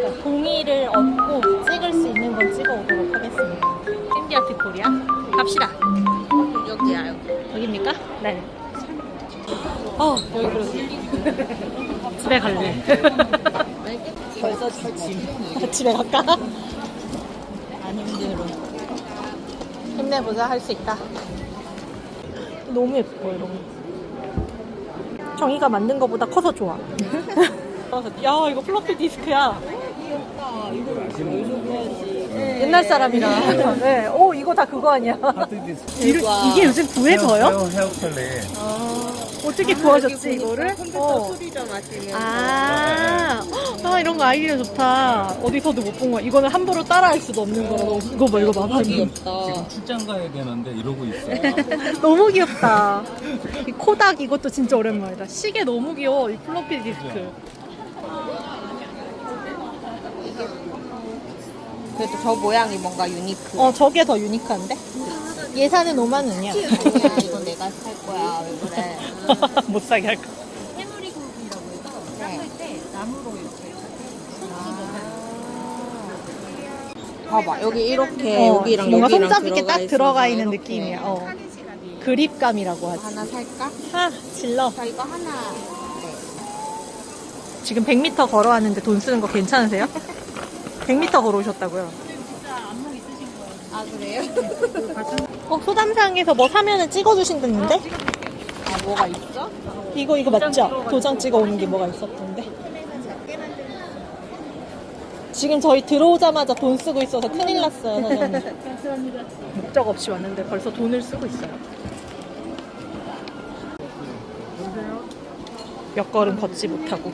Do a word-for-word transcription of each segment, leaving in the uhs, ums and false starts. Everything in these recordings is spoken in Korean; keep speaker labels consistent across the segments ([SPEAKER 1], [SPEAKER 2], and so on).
[SPEAKER 1] 동의를 얻고 찍을 수 있는 건 찍어오도록 하겠습니다. 샌디아트 코리아 갑시다.
[SPEAKER 2] 여기야.
[SPEAKER 1] 여기입니까? 네. 어 여기 그러지. 집에 갈래.
[SPEAKER 2] 벌써 지침.
[SPEAKER 1] 집에 갈까?
[SPEAKER 2] 안 힘들어.
[SPEAKER 1] 힘내보자. 할 수 있다. 너무 예뻐 이런 거. 정이가 만든 거보다 커서 좋아. 야 이거 플로피 디스크야.
[SPEAKER 2] 귀엽다. 이걸 어디서 구하지?
[SPEAKER 1] 옛날 사람이라. 네. 오 이거 다 그거 아니야.
[SPEAKER 3] 하드디스크.
[SPEAKER 1] 이, 이게 요즘 구해져요?
[SPEAKER 3] 헤어, 헤어 컬레.
[SPEAKER 1] 어떻게 구하셨지 이거를?
[SPEAKER 2] 컴퓨터
[SPEAKER 1] 어.
[SPEAKER 2] 소리 좀 마시면.
[SPEAKER 1] 아, 아 이런 거 아이디어 좋다. 어디서도 못 본 거야. 이거는 함부로 따라할 수도 없는 거라. 너무- 이거 봐 이거 봐. 봐.
[SPEAKER 2] 귀엽다.
[SPEAKER 3] 지금 출장 가야 되는데 이러고 있어.
[SPEAKER 1] 너무 귀엽다. 이 코닥 이것도 진짜 오랜만이다. 시계 너무 귀여워. 이 플로피 디스크.
[SPEAKER 2] 그래도 저 모양이 뭔가 유니크.
[SPEAKER 1] 어 저게 더 유니크한데? 예산은 오만 원이야.
[SPEAKER 2] 아니야, 이거 내가 살 거야. 왜 그래?
[SPEAKER 1] 못 사게 할 거.
[SPEAKER 2] 해물이국이라고 해서 닦을 때 나무로 이렇게. 봐봐, 여기 이렇게
[SPEAKER 1] 어,
[SPEAKER 2] 여기랑
[SPEAKER 1] 뭔가
[SPEAKER 2] 여기랑
[SPEAKER 1] 손잡이 이렇게 딱
[SPEAKER 2] 있어서
[SPEAKER 1] 들어가 있는
[SPEAKER 2] 이렇게.
[SPEAKER 1] 느낌이야. 어. 그립감이라고 하지.
[SPEAKER 2] 하나 살까?
[SPEAKER 1] 아 질러.
[SPEAKER 2] 자, 이거 하나. 네.
[SPEAKER 1] 지금 백 미터 걸어왔는데 돈 쓰는 거 괜찮으세요? 백 미터 걸어오셨다고요?
[SPEAKER 2] 아, 그래요?
[SPEAKER 1] 어, 소담상에서 뭐 사면은 찍어주신다는데?
[SPEAKER 2] 아, 뭐가 있어?
[SPEAKER 1] 이거, 이거 맞죠? 도장 찍어오는 게 뭐가 있었던데? 지금 저희 들어오자마자 돈 쓰고 있어서 큰일 났어요, 사장님. 목적 없이 왔는데 벌써 돈을 쓰고 있어요. 몇 걸음 걷지 못하고.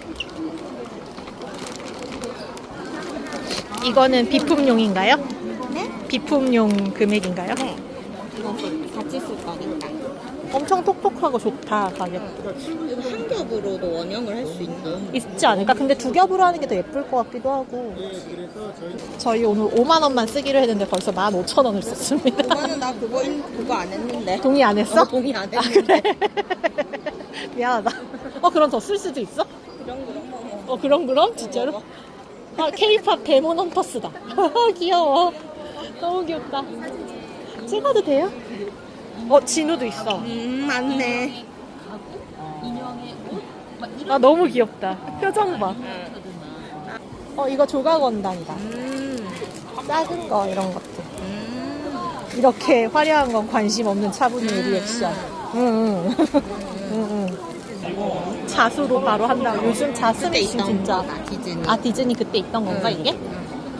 [SPEAKER 1] 이거는 비품용인가요?
[SPEAKER 2] 네?
[SPEAKER 1] 비품용 금액인가요?
[SPEAKER 2] 네. 이거 같이 쓸 거니까.
[SPEAKER 1] 엄청 톡톡하고 좋다, 가격.
[SPEAKER 2] 이거 한 겹으로도 원형을 할 수 있나?
[SPEAKER 1] 있지 않을까? 근데 두 겹으로 하는 게 더 예쁠 것 같기도 하고. 저희 오늘 오만 원만 쓰기로 했는데 벌써 만 오천 원을 썼습니다.
[SPEAKER 2] 이거는 나 그거, 인- 그거 안 했는데.
[SPEAKER 1] 동의 안 했어?
[SPEAKER 2] 어, 동의 안
[SPEAKER 1] 아,
[SPEAKER 2] 했는데.
[SPEAKER 1] 그래? 미안하다. 어, 그럼 더 쓸 수도 있어?
[SPEAKER 2] 그런 그런 거.
[SPEAKER 1] 어, 그럼, 그럼? 진짜로? 아, 케이팝 데몬 헌터스다. 귀여워. 너무 귀엽다. 찍어도 돼요? 어, 진우도 있어.
[SPEAKER 2] 음, 맞네.
[SPEAKER 1] 아, 너무 귀엽다. 표정 봐. 어, 이거 조각원단이다.
[SPEAKER 2] 음,
[SPEAKER 1] 작은 거, 이런 것들.
[SPEAKER 2] 음.
[SPEAKER 1] 이렇게 화려한 건 관심 없는 차분이의 리액션. 응, 응. 응, 응. 자수로 바로 한다고. 요즘 자수
[SPEAKER 2] 그때
[SPEAKER 1] 미싱
[SPEAKER 2] 있던
[SPEAKER 1] 진짜.
[SPEAKER 2] 거다, 디즈니.
[SPEAKER 1] 아, 디즈니 그때 있던 건가,
[SPEAKER 2] 응.
[SPEAKER 1] 이게?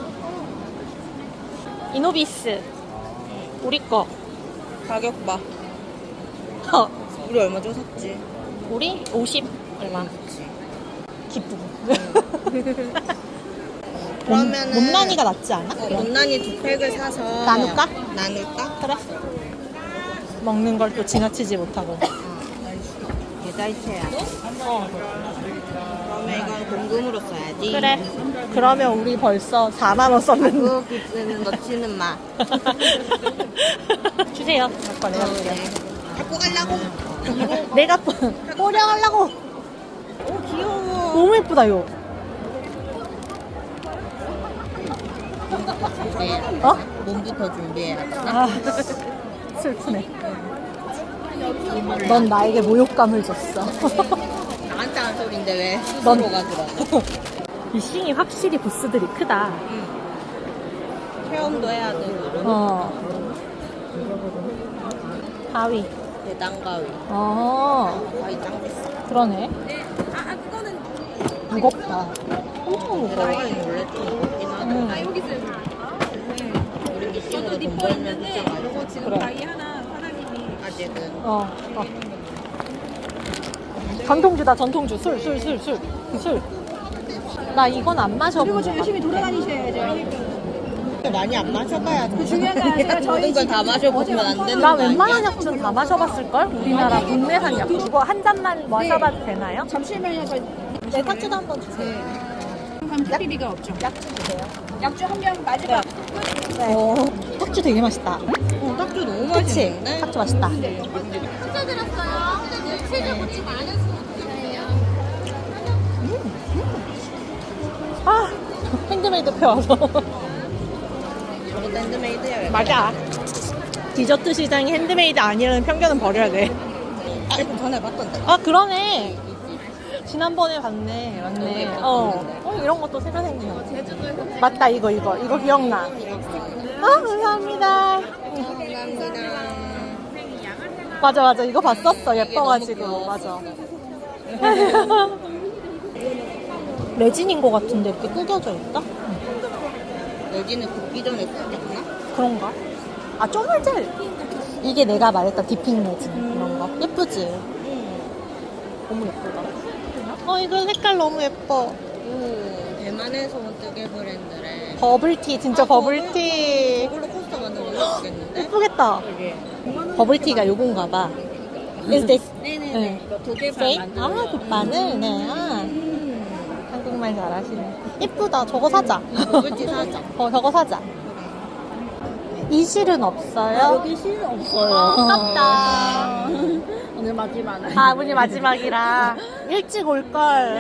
[SPEAKER 1] 이노비스. 우리 거.
[SPEAKER 2] 가격 봐.
[SPEAKER 1] 어,
[SPEAKER 2] 우리 얼마 전 샀지?
[SPEAKER 1] 우리 오십 얼마. 기쁘고.
[SPEAKER 2] 그러면은
[SPEAKER 1] 못난이가 낫지 않아?
[SPEAKER 2] 어, 못난이 두 팩을 사서
[SPEAKER 1] 나눌까?
[SPEAKER 2] 나눌까?
[SPEAKER 1] 그래. 먹는 걸 또 지나치지 못하고.
[SPEAKER 2] 계좌이체야.
[SPEAKER 1] 어.
[SPEAKER 2] 그러면 이건 공금으로 써야지.
[SPEAKER 1] 그래. 그러면 우리 벌써 사만 원 썼는데.
[SPEAKER 2] 그 기스는 넣지는 마.
[SPEAKER 1] 주세요. 아까 내가 줄게요.
[SPEAKER 2] 갖고 가려고.
[SPEAKER 1] 내가 뽀려하려고.
[SPEAKER 2] 오, 귀여워.
[SPEAKER 1] 너무 예쁘다, 이거.
[SPEAKER 2] 네.
[SPEAKER 1] 어?
[SPEAKER 2] 몸부터 준비해야 돼.
[SPEAKER 1] 아, 슬프네. 넌 나에게 모욕감을 줬어.
[SPEAKER 2] 나한테 한 소린데 왜
[SPEAKER 1] 넌-
[SPEAKER 2] 스스로 가더라고.
[SPEAKER 1] 이 싱이 확실히 부스들이 크다.
[SPEAKER 2] 체험도 해야 되고.
[SPEAKER 1] 어. 가위.
[SPEAKER 2] 대단가위.
[SPEAKER 1] 어,
[SPEAKER 2] 가위 짱 비싸.
[SPEAKER 1] 그러네. 무겁다. 엄청 무거워.
[SPEAKER 2] 대단가위는 원래 좀 무겁긴 하다.
[SPEAKER 1] 음.
[SPEAKER 2] 우리 미팅으로 돈 벌면 비싸가지고 지금
[SPEAKER 1] 그래.
[SPEAKER 2] 가위 하나 사장님이 아직은
[SPEAKER 1] 어, 어. 전통주다, 전통주. 술, 술, 술, 술. 술. 나 이건 안 마셔본 것 같아.
[SPEAKER 4] 열심히 돌아다니셔야죠.
[SPEAKER 2] 많이 안 마셔봐야 돼.
[SPEAKER 4] 중요한 게 아니라 저희
[SPEAKER 2] 모든 걸 다 마셔보면 안 되는
[SPEAKER 1] 나
[SPEAKER 2] 거 아니야?
[SPEAKER 1] 웬만한 약주는 다 마셔봤을걸? 우리나라 국내산 약주. 이거 한 잔만 마셔봐도 되나요?
[SPEAKER 4] 잠시만요. 저
[SPEAKER 1] 네, 탁주도 한번 주세요.
[SPEAKER 4] 감기비가 없죠.
[SPEAKER 1] 약주 주세요.
[SPEAKER 4] 약주 한 병 마지막.
[SPEAKER 1] 네. 어, 탁주 되게 맛있다.
[SPEAKER 2] 어, 딱지 너무
[SPEAKER 1] 그치?
[SPEAKER 2] 맛있는데?
[SPEAKER 1] 탁주 맛있다. 아, 핸드메이드 펴와서.
[SPEAKER 2] 저것도 핸드메이드야.
[SPEAKER 1] 맞아. 디저트 시장이 핸드메이드 아니라는 편견은 버려야 돼.
[SPEAKER 2] 조금 전에 봤던데.
[SPEAKER 1] 아, 그러네. 지난번에 봤네. 맞네. 어. 어, 이런 것도 새로 생기네. 맞다, 이거, 이거. 이거 기억나. 아, 감사합니다.
[SPEAKER 2] 감사합니다.
[SPEAKER 1] 맞아, 맞아. 이거 봤었어. 예뻐가지고. 맞아. 레진인 것 같은데 이렇게 구겨져 있다?
[SPEAKER 2] 여기는 굽기 전에 굽겠나?
[SPEAKER 1] 그런가? 아, 쪼물젤. 이게 내가 말했던 디핑 레진. 이런 거. 예쁘지? 너무 예쁘다. 어, 이거 색깔 너무 예뻐.
[SPEAKER 2] 오, 대만에서 온 뜨개 브랜드래.
[SPEAKER 1] 버블티, 진짜 버블티.
[SPEAKER 2] 이걸로 코스터 만들면 예쁘겠는데?
[SPEAKER 1] 예쁘겠다. 버블티가 요건가 봐. Is this?
[SPEAKER 2] 네네네.
[SPEAKER 1] 네.
[SPEAKER 2] 이거 도개발
[SPEAKER 1] 페이크?
[SPEAKER 2] 만들어.
[SPEAKER 1] 아, 굿바늘? 네. 아. 한국말 잘하시네. 예쁘다. 저거 사자.
[SPEAKER 2] 버블티 사자.
[SPEAKER 1] 어, 저거 사자. 이 실은 없어요?
[SPEAKER 2] 여기 실 없어요.
[SPEAKER 1] 아깝다.
[SPEAKER 2] 오늘 마지막.
[SPEAKER 1] 아, 오늘 마지막이라 일찍 올걸.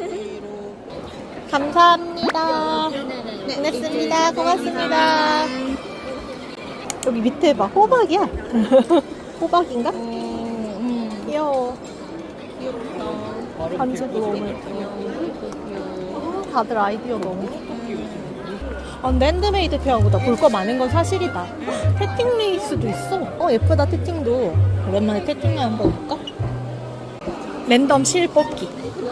[SPEAKER 1] 감사합니다. 고맙습니다. 고맙습니다. 여기 밑에 봐. 호박이야. 호박인가? 귀여워. 반지도 너무 예뻐. 다들 아이디어 너무 좋다. 아, 근데 핸드메이드 페어보다 볼 거 많은 건 사실이다. 태팅 레이스도 있어. 어, 예쁘다, 태팅도. 오랜만에 태팅을 한번 볼까? 랜덤 실 뽑기.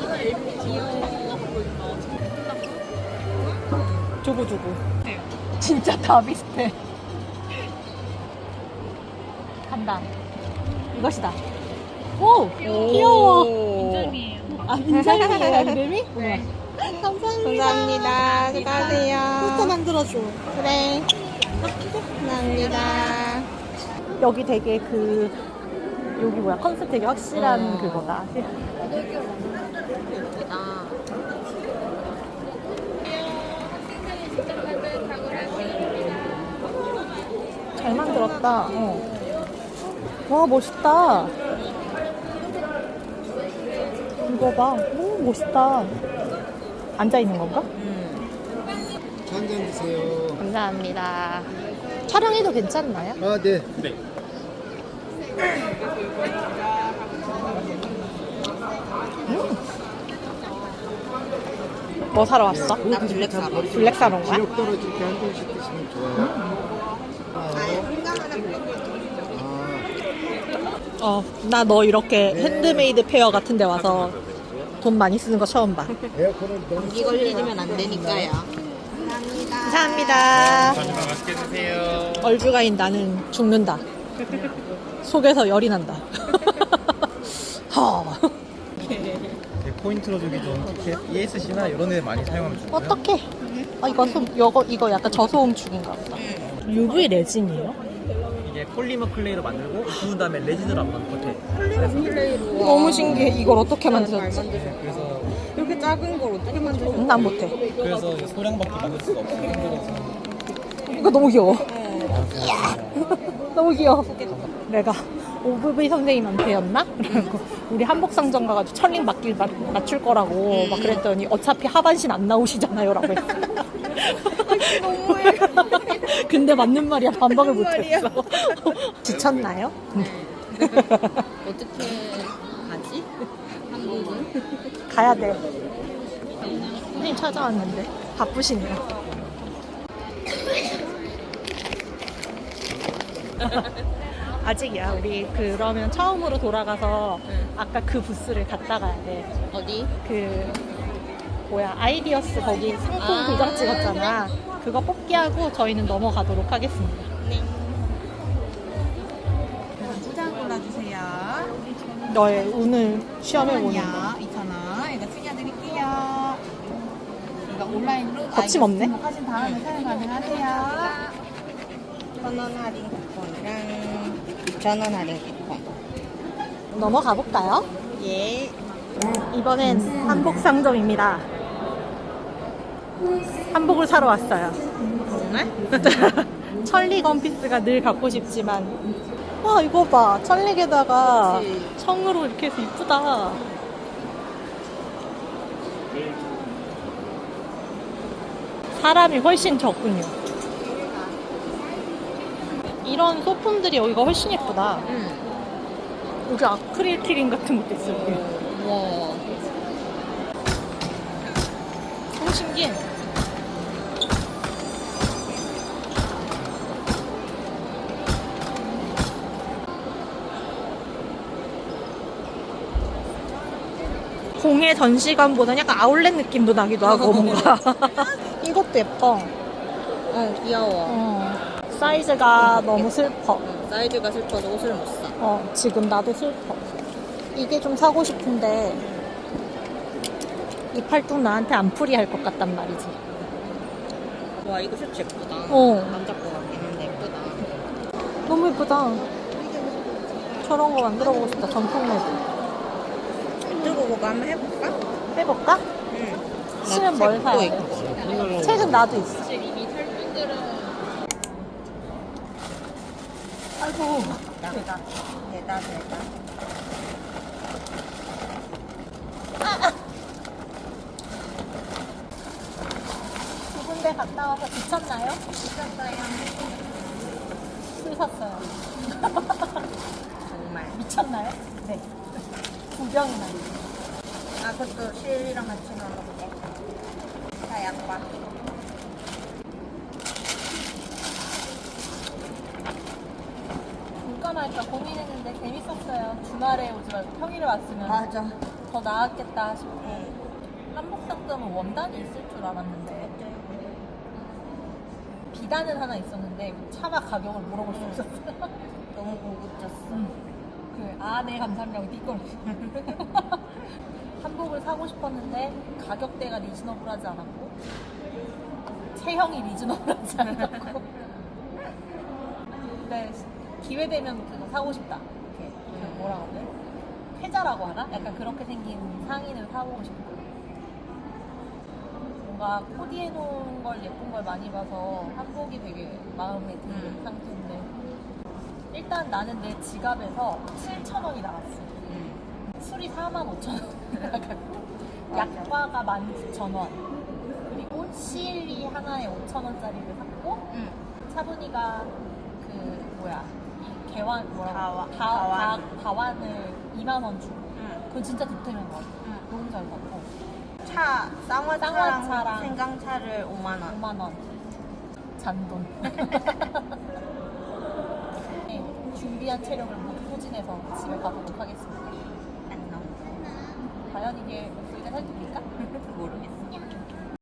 [SPEAKER 1] 주고 주고. 진짜 다 비슷해. 간다. 이것이다. 오! 귀여워.
[SPEAKER 4] 인절미예요.
[SPEAKER 1] 아, 인절미예요, 이름이? 네. 감사합니다.
[SPEAKER 2] 감사합니다. 수고하세요.
[SPEAKER 1] 포스터 만들어줘. 그래.
[SPEAKER 2] 감사합니다.
[SPEAKER 1] 여기 되게 그, 여기 뭐야, 컨셉 되게 확실한
[SPEAKER 2] 어.
[SPEAKER 1] 그거다.
[SPEAKER 2] 예쁘다.
[SPEAKER 1] 잘 만들었다. 어. 와, 멋있다. 이거 봐. 오, 멋있다. 앉아있는 건가?
[SPEAKER 5] 한 잔 드세요.
[SPEAKER 1] 감사합니다. 촬영해도 괜찮나요?
[SPEAKER 5] 아, 네.
[SPEAKER 3] 네.
[SPEAKER 1] 뭐 사러 왔어?
[SPEAKER 2] 나 블랙 사러.
[SPEAKER 1] 블랙 사러 온 거야?
[SPEAKER 5] 지역 떨어질 때 한 잔씩 드시면 좋아요. 아,
[SPEAKER 1] 어, 나 너 이렇게 핸드메이드 페어 같은 데 와서 돈 많이 쓰는 거 처음 봐.
[SPEAKER 5] 에어컨을 너무
[SPEAKER 2] 감기 걸리면 안 되니까요.
[SPEAKER 1] 감사합니다.
[SPEAKER 3] 맛있게 드세요.
[SPEAKER 1] 얼주가인 나는 죽는다. 속에서 열이 난다. 허.
[SPEAKER 3] 포인트로 주기 좋은 티켓 이에스씨나 이런 데 많이 사용하면 좋고요.
[SPEAKER 1] 어떡해. 아, 이거, 소, 이거, 이거 약간 저소음축인가 보다. 유브이 레진이에요?
[SPEAKER 6] 이게 폴리머 클레이로 만들고 구운 다음에 레진으로 한번 겉에.
[SPEAKER 1] 너무 신기해. 이걸 어떻게 만드셨지?
[SPEAKER 6] 그래서
[SPEAKER 2] 이렇게 작은 걸 어떻게 만들어?
[SPEAKER 1] 음, 난 못해.
[SPEAKER 6] 그래서 이제 소량밖에 만들 수가 없어요. 힘들어서.
[SPEAKER 1] 이거 너무 귀여워. 너무 귀여워. 내가 오브브이 선생님한테 였나? 그래갖고 우리 한복상점 가가지고 천링 맞길 맞, 맞출 거라고 막 그랬더니 어차피 하반신 안 나오시잖아요 라고 했어. 근데 맞는 말이야. 반박을 못했어. 지쳤나요?
[SPEAKER 2] 어떻게 가지? 한국은?
[SPEAKER 1] 가야 돼. 선생님 찾아왔는데 바쁘시네요. 아직이야. 우리 그러면 처음으로 돌아가서
[SPEAKER 2] 응.
[SPEAKER 1] 아까 그 부스를 갔다 가야 돼.
[SPEAKER 2] 어디?
[SPEAKER 1] 그 뭐야, 아이디어스 거기 상품
[SPEAKER 2] 아,
[SPEAKER 1] 도장 찍었잖아. 그거 뽑기하고 저희는 넘어가도록 하겠습니다.
[SPEAKER 2] 네.
[SPEAKER 7] 두장 골라주세요.
[SPEAKER 1] 너의 운을 시험해 보는 거.
[SPEAKER 7] 이천 원. 이거 챙겨드릴게요. 이거 온라인으로
[SPEAKER 1] 거침없네.
[SPEAKER 7] 등록하신 다음에 사용 가능하세요.
[SPEAKER 2] 천 원 할인 쿠폰이랑 이천 원 할인 쿠폰.
[SPEAKER 1] 넘어가 볼까요?
[SPEAKER 2] 예.
[SPEAKER 1] 이번엔 한복 상점입니다. 한복을 사러 왔어요.
[SPEAKER 2] 정말?
[SPEAKER 1] 천리 건피스가 늘 갖고 싶지만, 와 이거 봐, 천릭에다가
[SPEAKER 2] 그치.
[SPEAKER 1] 청으로 이렇게 해서 이쁘다. 사람이 훨씬 적군요. 이런 소품들이 여기가 훨씬 예쁘다.
[SPEAKER 2] 응.
[SPEAKER 1] 여기 아크릴 키링 같은 것도 있어. 여기.
[SPEAKER 2] 와.
[SPEAKER 1] 너무 신기해. 공예 전시관보다 약간 아울렛 느낌도 나기도 하고 뭔가. 이것도 예뻐.
[SPEAKER 2] 어, 귀여워.
[SPEAKER 1] 어. 사이즈가 너무 슬퍼.
[SPEAKER 2] 응, 사이즈가 슬퍼서 옷을 못 사.
[SPEAKER 1] 어, 지금 나도 슬퍼. 이게 좀 사고 싶은데 이 팔뚝 나한테 안 풀이할 것 같단 말이지.
[SPEAKER 2] 와, 이거 셔츠 예쁘다.
[SPEAKER 1] 어.
[SPEAKER 2] 남자 거 같긴 한데 예쁘다.
[SPEAKER 1] 너무 예쁘다. 저런 거 만들어 보고 싶다. 전통 매드.
[SPEAKER 2] 들고 그거 한번 해볼까?
[SPEAKER 1] 해볼까?
[SPEAKER 2] 응.
[SPEAKER 1] 쓰면 뭘 사야 돼?
[SPEAKER 2] 있고.
[SPEAKER 1] 책은 나도 있어. 아이고.
[SPEAKER 2] 대다. 대다, 대다.
[SPEAKER 1] 두 군데 갔다 와서 지쳤나요? 지쳤어요. 술 샀어요.
[SPEAKER 2] 정말.
[SPEAKER 1] 미쳤나요? 네. 구경이나.
[SPEAKER 2] 아, 그것도 실이랑 같이 넣어도 돼. 자, 양파.
[SPEAKER 1] 볼까 말까 고민했는데 재밌었어요. 주말에 오지 말고 평일에 왔으면
[SPEAKER 2] 맞아.
[SPEAKER 1] 더 나았겠다 싶고. 한복 상점은 원단이 있을 줄 알았는데 비단은 하나 있었는데 차마 가격을 물어볼 수 없었어요.
[SPEAKER 2] 너무 고급졌어.
[SPEAKER 1] 그 아네 감사합니다 띠걸 한복을 사고 싶었는데 가격대가 리즈너블하지 않았고 체형이 리즈너블하지 않았고 근데 기회 되면 그거 사고 싶다. 이렇게 그 뭐라 그래? 패자라고 하나? 약간 그렇게 생긴 상의를 사보고 싶고 뭔가 코디해 놓은 걸 예쁜 걸 많이 봐서 한복이 되게 마음에 드는
[SPEAKER 2] 음.
[SPEAKER 1] 상태인데 일단 나는 내 지갑에서 칠천 원이 나왔어.
[SPEAKER 2] 응.
[SPEAKER 1] 술이 사만 오천 원 약과가 만 구천 원 그리고 시일리 하나에 오천 원짜리를 샀고
[SPEAKER 2] 응.
[SPEAKER 1] 차분이가 그 뭐야 이 개완 뭐라고
[SPEAKER 2] 다와-
[SPEAKER 1] 다,
[SPEAKER 2] 다완.
[SPEAKER 1] 다, 다완을 이만 원 주고
[SPEAKER 2] 응.
[SPEAKER 1] 그건 진짜 득템인 것 같아.
[SPEAKER 2] 응.
[SPEAKER 1] 너무 잘 샀고
[SPEAKER 2] 차, 쌍화차랑
[SPEAKER 1] 쌍화차랑
[SPEAKER 2] 생강차를 오만 원.
[SPEAKER 1] 오만 원 잔돈. 네, 준비한 체력을 모두 소진해서 집에 가보도록 하겠습니다.
[SPEAKER 2] 안녕.
[SPEAKER 1] 과연 이게 목소리가 살집힐까?